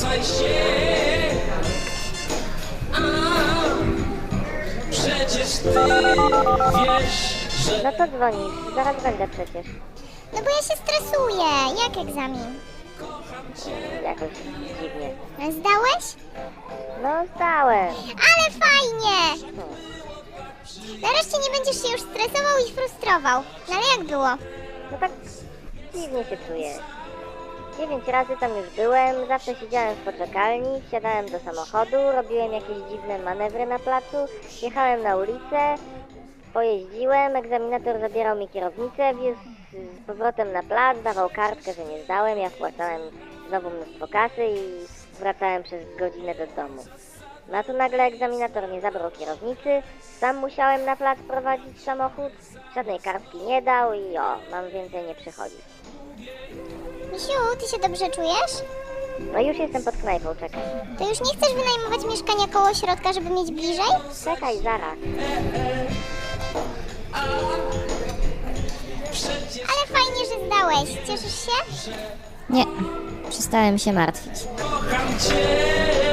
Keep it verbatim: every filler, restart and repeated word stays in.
zwracaj się. A, przecież ty wiesz, że... No to dzwonisz, zaraz będę przecież. No bo ja się stresuję. Jak egzamin? Jakoś dziwnie. Zdałeś? No zdałem. Ale fajnie! Nareszcie nie będziesz się już stresował i frustrował. No ale jak było? No tak dziwnie się czuję. Dziewięć razy tam już byłem, zawsze siedziałem w poczekalni, wsiadałem do samochodu, robiłem jakieś dziwne manewry na placu, jechałem na ulicę, pojeździłem, egzaminator zabierał mi kierownicę, wiózł z powrotem na plac, dawał kartkę, że nie zdałem, ja wpłacałem znowu mnóstwo kasy i wracałem przez godzinę do domu. No a tu nagle egzaminator nie zabrał kierownicy, sam musiałem na plac prowadzić samochód, żadnej kartki nie dał i o, mam więcej nie przychodzić. Misiu, ty się dobrze czujesz? No już jestem pod knajpą, czekaj. To już nie chcesz wynajmować mieszkania koło środka, żeby mieć bliżej? Czekaj, zaraz. Ale fajnie, że zdałeś. Cieszysz się? Nie, przestałem się martwić. Kocham cię.